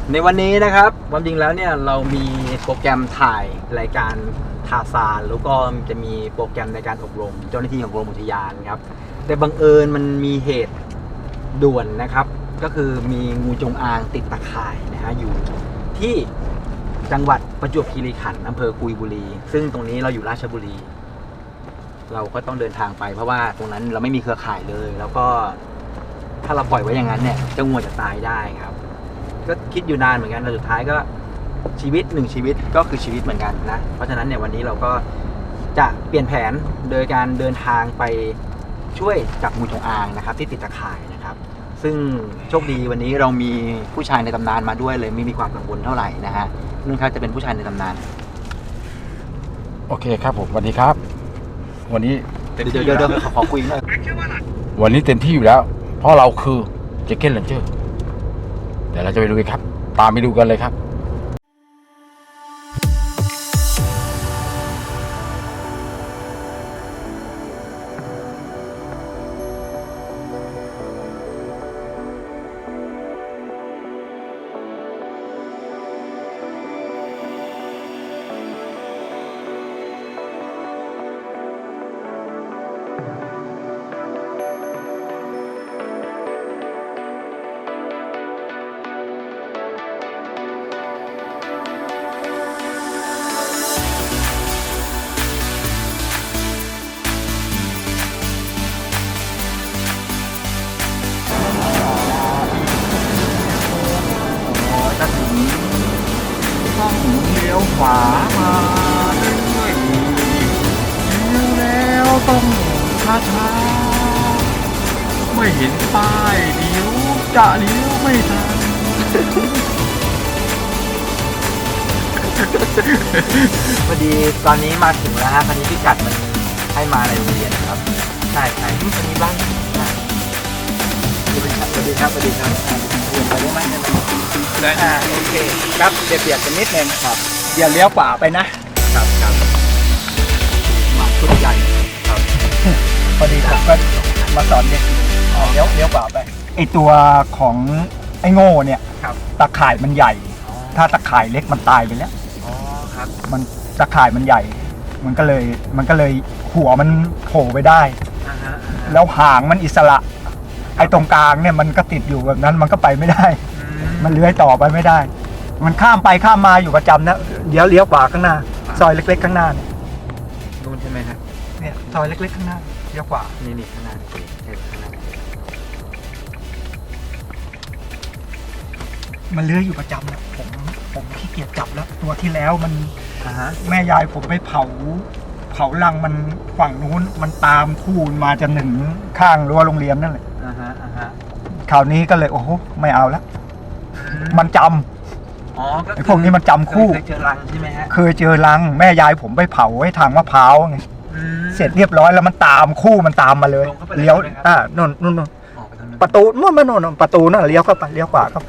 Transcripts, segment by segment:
ในวันนี้นะครับความจริงแล้วเนี่ยเรามีโปรแกรมถ่ายรายการทาซานแล้วก็จะมีโปรแกรมในการอบรมเจ้าหน้าที่ของกรมอุทยานครับแต่บังเอิญมันมีเหตุด่วนนะครับก็คือมีงูจงอางติดตะข่ายนะฮะอยู่ที่จังหวัดประจวบคีรีขันธ์อำเภอกุยบุรีซึ่งตรงนี้เราอยู่ราชบุรีเราก็ต้องเดินทางไปเพราะว่าตรงนั้นเราไม่มีเครือข่ายเลยแล้วก็ถ้าเราปล่อยไว้อย่างนั้นเนี่ยเจ้างูจะตายได้ครับก็คิดอยู่นานเหมือนกันแต่สุดท้ายก็ชีวิตหนึ่งชีวิตก็คือชีวิตเหมือนกันนะเพราะฉะนั้นเนี่ยวันนี้เราก็จะเปลี่ยนแผนโดยการเดินทางไปช่วยจับงูจงอางนะครับที่ติดตะข่ายนะครับซึ่งโชคดีวันนี้เรามีผู้ชายในตำนานมาด้วยเลยไม่มีความกังวลเท่าไหร่นะฮะนุ่นครับจะเป็นผู้ชายในตำนานโอเคครับผมสวัสดีครับวันนี้เดี๋ยวขอคุยหน่อยวันนี้เต็มที่อยู่แล้วเพราะเราคือเจคเก้นเลนเจอร์เดี๋ยวเราจะไปดูกันครับตามไปดูกันเลยครับเลี้ยวขวามาเรื่อยๆเลี้ยวแล้วต้องช้าๆไม่เห็นป้ายเดี๋ยวจะเลี้ยวไม่ทันพอดีตอนนี้มาถึงแล้วฮะตอนนี้พิกัดมันให้มาในโรงเรียนครับใช่ตอนนี้บ้านสวัสดีครับเรียนไปได้ไหมได้โอเคครับเบียดกันนิดนึงครับอย่าเลี้ยวขวาไปนะครับมาชุดใหญ่ครับพอดีผมก็มาสอนเด็กเลี้ยวขวาไปไอตัวของไอโง่เนี่ยตะข่ายมันใหญ่ถ้าตะข่ายเล็กมันตายไปแล้วครับมันตะข่ายมันใหญ่มันก็เลยหัวมันโผล่ไปได้แล้วหางมันอิสระไอ้ตรงกลางเนี่ยมันก็ติดอยู่แบบนั้นมันก็ไปไม่ได้มันเลื้อยต่อไปไม่ได้มันข้ามไปข้ามมาอยู่ประจำนะเลี้ยวขวาข้างหน้าซอยเล็กๆข้างหน้าเนี่ยนู่นใช่ไหมครับเนี่ยซอยเล็กๆข้างหน้าเลี้ยวขวานี่ข้างหน้าข้างหน้ามันเลื้อยอยู่ประจำนะผมขี้เกียจจับแล้วตัวที่แล้วมันแม่ยายผมไปเผารังมันฝั่งนู้นมันตามคู่มาจนถึงข้างรั้วโรงเรียนนั่นแหละคราวนี้ก็เลยโอ้โหไม่เอาแล้วมันจำไอ้พวกนี้มันจำคู่เคยเจอรังใช่ไหมฮะเคยเจอรังแม่ยายผมไปเผาไว้ทางมะพร้าวไงเสร็จเรียบร้อยแล้วมันตามคู่มันตามมาเลยเลี้ยวนู่นประตูนู่นประตูนั่นเลี้ยวเข้าไปเลี้ยวขวาเข้า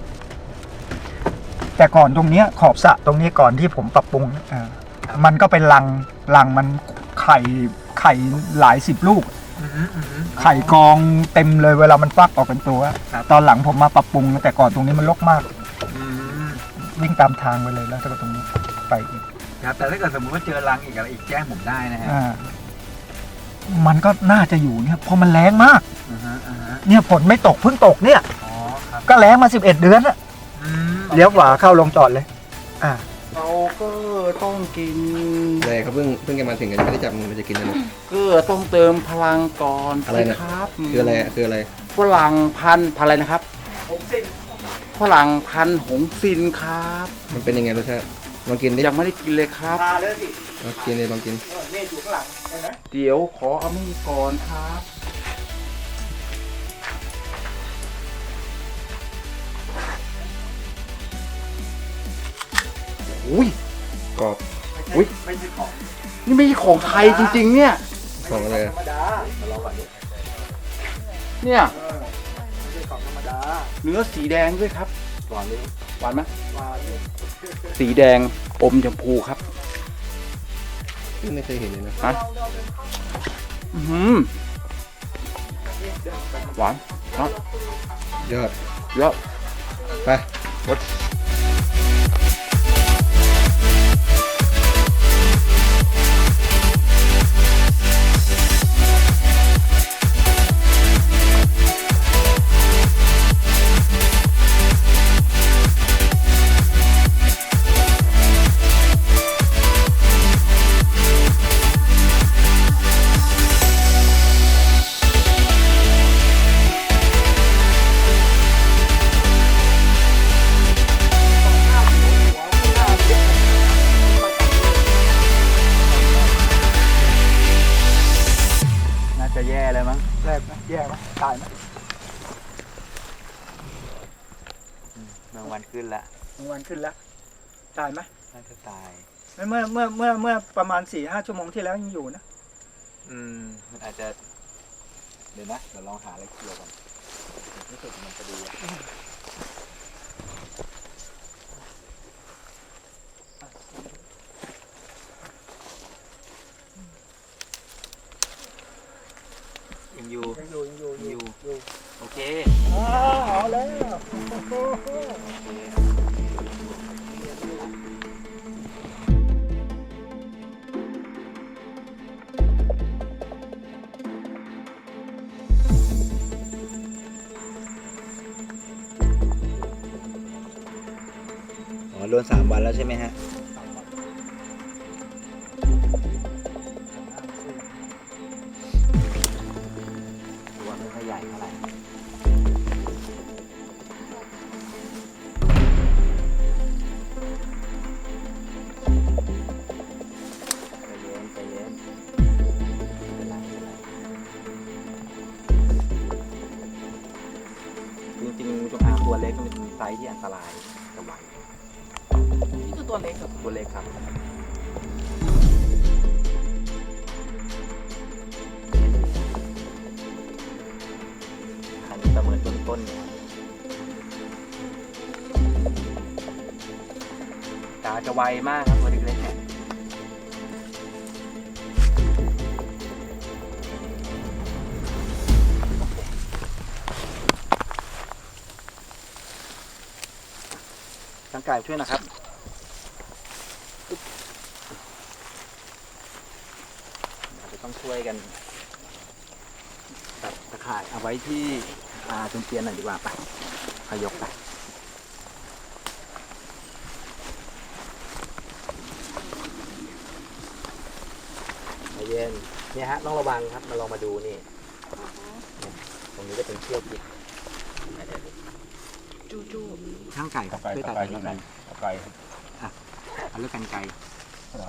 แต่ก่อนตรงนี้ขอบสระตรงนี้ก่อนที่ผมปรับปรุงมันก็เป็นรังมันไข่หลาย10 ลูกไข่กองเต็มเลยเวลามันฟักออกเป็นตัวตอนหลังผมมาปรับปรุงแต่ก่อนตรงนี้มันรกมากวิ่งตามทางไปเลยแล้วก็ตรงนี้ไปอีกครับแต่ถ้าเกิดสมมติว่าเจอรังอีกอะไรอีกแจ้งผมได้นะฮะมันก็น่าจะอยู่เนี่ยเพราะมันแรงมากเนี่ยฝนไม่ตกเพิ่งตกเนี่ยก็แรงมา11 เดือนอะเลี้ยวขวาเข้าลงจอดเลยเราก็ต้องกินเลยเขาเพิ่งจะมาถึงกันไม่ได้จับมือมันจะกินอะไรก็ต้องเติมพลังก่อนอะไรนะครับคืออะไรฝรั่งพันธุ์อะไรนะครับหงสินฝรั่งพันธุ์หงสินครับมันเป็นยังไงรสชาติลองกินดิยังไม่ได้กินเลยครับลองกินเลยลองกินอยู่ข้างหลังเดี๋ยวขอเอามีดก่อนครับอุ้ยกรอบอุ้ยนี่ไม่ใช่ของไทยจริงๆเนี่ยของอะไรเนี่ยเนื้อสีแดงด้วยครับหวานเลยหวานไหมหวานสีแดงอมชมพูครับไม่เคยเห็นเลยนะหวานยอดไปน่าจะแย่เลยมั้งแรกไหมแย่ไหมตายไหมบางวันขึ้นละกลางวันขึ้นแล้วตายไหมน่าจะตายเมื่อประมาณ 4-5 ชั่วโมงที่แล้วยังอยู่นะมันอาจจะ เดี๋ยวนะเดี๋ยวลองหาอะไรเกี่ยวกันรู้สึกมันจะดีอะยังอยู่ยังอยู่อยู่ โอเคเอาแล้วอ๋อโดน3 วันแล้วใช่ไหมฮะ ตัวไม่ค่อยใหญ่เท่าไหร่ใจเย็นไม่เป็นไรจริงๆจงอางตัวเล็กมันเป็นไซส์ที่อันตรายกับวัยนี่คือตัวเล็กเหรอตัวเล็กครับอันนี้ประเมินต้นๆเนี่ยตาจะไวมากครับตัวเล็กๆเนี่ยร่างกายช่วยนะครับอาจจะต้องช่วยกันตัดตะข่ายเอาไว้ที่จนเตียนหน่อยดีกว่าไปขยกไปใจเย็นเนี่ยฮะต้องระวังครับมาลองมาดูนี่ตรงนี้จะเป็นเชือกจิกจูจูช่างไก่ครับช่วยตัดไก่ให้ที่หไหนน่อยไก่เอาเลือกกันไกลเหรอ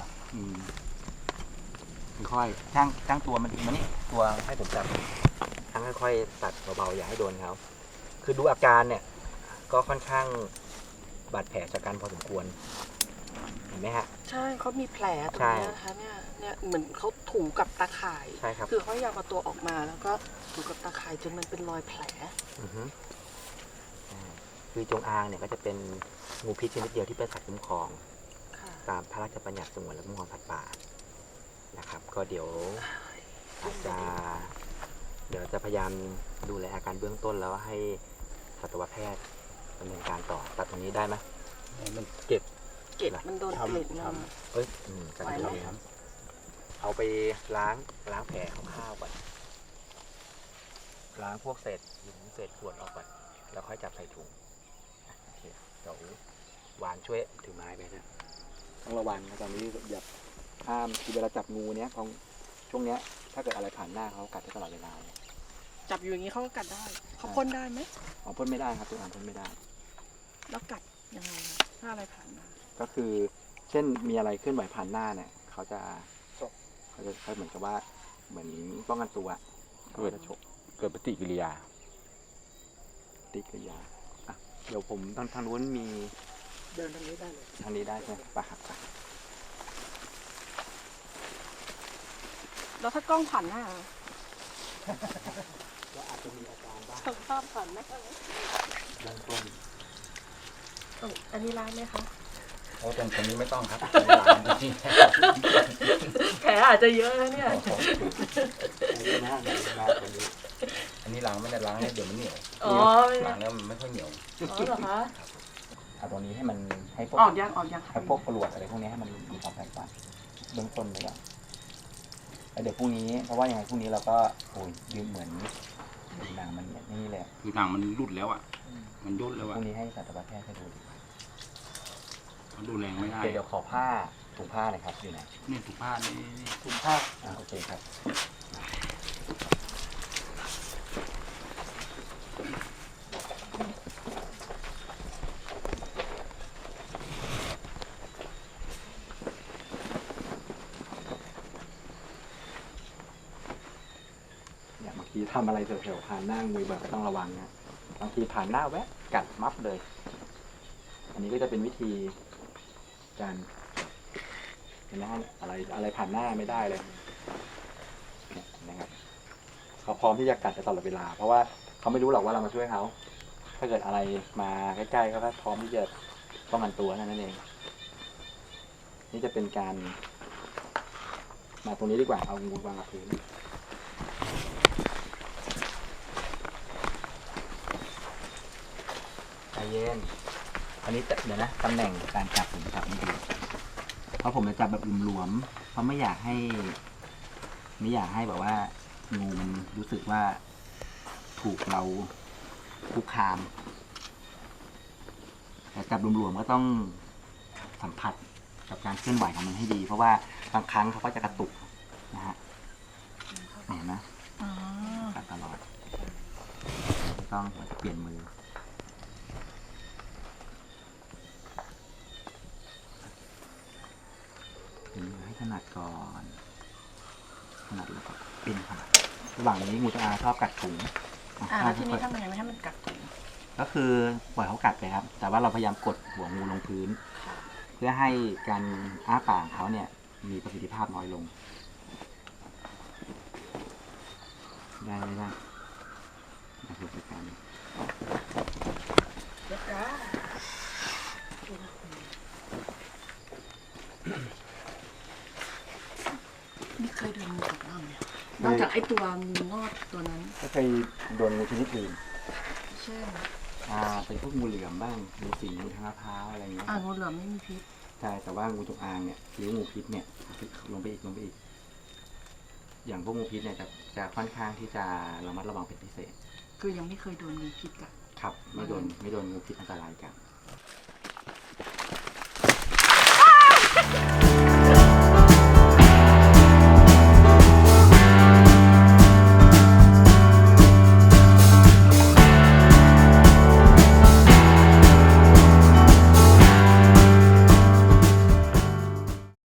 ค่อยๆช่างตัวมันมานี่ตัวให้ผมจับช่างค่อยๆตัดเบาๆอย่าให้โดนเขาคือดูอาการเนี่ยก็ค่อนข้างบาดแผลชะกันพอสมควรเห็นไหมฮะใช่เขามีแผลตรงใช่นี้นะคะเนี่ยเหมือนเขาถูกับตาข่ายใช่ครับคือเขาอยากเอาตัวออกมาแล้วก็ถูกับตาข่ายจนมันเป็นรอยแผลอือฮึคือจงอางเนี่ยก็จะเป็นงูพิษชนิดเดียวที่เป็นสัตว์คุ้มครองค่ะตามพระราชบัญญัติสงวนและคุ้มครองสัตว์ป่านะครับ ก็เดี๋ยวจะพยายามดูแลอาการเบื้องต้นแล้วให้สัตวแพทย์ดำเนินการต่อตัดตรงนี้ได้ไหมมันเก็บเกล็ดมันโดนเกล็ดมาเอ้ยกันไหวไหมครับเอาไปล้างแผลคร่าวๆก่อนล้างพวกเศษหินเศษขวดออกก่อนแล้วค่อยจับใส่ถุงโอเคเดี๋ยวหวานช่วยถือไม้ไปนะต้องระวังนะตอนนี้อย่าห้ามคือเวลาจับงูเนี้ยของช่วงเนี้ยถ้าเกิดอะไรผ่านหน้าเขากัดได้ตลอดเวลาเนี่ยจับอยู่อย่างนี้เขาก็กัดได้เขาพ่นได้ไหมอ๋อพ่นไม่ได้ครับตัวอ่านพ่นไม่ได้แล้วกัดยังไงถ้าอะไรผ่านมาก็คือเช่นมีอะไรเคลื่อนไหวผ่านหน้าเนี่ยเขาจะเหมือนกับว่าเหมือนป้องกันตัวเขาจะฉกเกิดปฏิกิริยาติกิริยาอ่ะเดี๋ยวผมทางนู้นมีเดินทางนี้ได้เลยทางนี้ได้ใช่ไหมไปครับไปแล้วถ้ากล้องผ่านหน้าก็อาจจะมีอาการบ้างสภาพผ่านหน้าเบื้องต้นอันนี้ล้างไหมคะโอ้ตรงนี้ไม่ต้องครับแผลอาจจะเยอะนะเนี่ยอันนี้นะตัวนี้อันนี้ล้างไม่ได้ล้างให้เดี๋ยวมันเหนียวอ๋อไม่ล้างแล้วมันไม่ค่อยเหนียวอ๋อเหรอคะเอาตัวนี้ให้มันให้พวกออกยังค่ะให้พวกปลวดอะไรพวกนี้ให้มันมีความแตกต่างเบื้องต้นเลยก่อนแล้วเดี๋ยวพรุ่งนี้เพราะว่ายังไงพรุ่งนี้เราก็โอ้ยยืมเหมือนดูหนังมันเนี่ยนี่แหละคือหนังมันรุดแล้วอ่ะ มันย่นแล้วพอ่ะรุ่งนี้ให้สัตวแพทย์ให้ดูดิมันดูแรงไม่ได้เดี๋ยวขอผ้าถุงผ้าหน่อยครับอยู่ไหนนี่ถูกผ้านี่ถุงผ้าโอเคครับเนี่ยบางทีทำอะไรแถวๆผ่านหน้ามือแบบก็ต้องระวังนะบางทีผ่านหน้าแวะกัดมับเลย อันนี้ก็จะเป็นวิธีการเห็นไหมฮะอะไรผ่านหน้าไม่ได้เลยเนี่ยนะครับเขาพร้อมที่จะกัดตลอดเวลา เพราะว่าเขาไม่รู้หรอกว่าเรามาช่วยเขาถ้าเกิดอะไรมาใกล้ๆเขาก็พร้อมที่จะป้องกันตัวนั่นเองนี่จะเป็นการมาตรงนี้ดีกว่าเอางูวางกับพื้นใจเย็นอันนี้เดี๋ยวนะตำแหน่งการจับผมจับไม่ดีเพราะผมจะจับแบบหลวมๆเพราะไม่อยากให้แบบว่างูมันรู้สึกว่าถูกเราคุกคามแต่จับหลวมๆก็ต้องสัมผัสกับการเคลื่อนไหวของมันให้ดี เพราะว่าบางครั้งเขาก็จะกระตุกนะฮะเห็นไหมกัดตลอดไม่ต้องเปลี่ยนมือให้ถนัดก่อนถนัดแล้วก็เป็นค่ะระหว่างนี้งูจงอางชอบกัดถุงแล้วทีนี้ทำยังไงไม่ให้มันกัดถุงก็คือปล่อยเขากัดไปครับ แต่ว่าเราพยายามกดหัวงูลงพื้น เพื่อให้การอ้าปากของเขาเนี่ยมีประสิทธิภาพน้อยลง ได้ไหมล่ะนะครับในการไม่เคยโดนงูกัดบ้างเลยนอกจากไอ้ตัวงูงอดตัวนั้นก็เคยโดนงูชนิดอื่นเช่นเป็นพวกงูเหลือมบ้างงูสิงงูทางมะพร้าวอะไรอย่างเงี้ยงูเหลือมไม่มีพิษใช่แต่ว่างูจงอางเนี่ยหรืองูพิษเนี่ยลงไปอีกอย่างพวกงูพิษเนี่ยจะค่อนข้างที่จะระมัดระวังเป็นพิเศษคือยังไม่เคยโดนงูพิษกัดครับไม่โดนงูพิษอันตรายกัน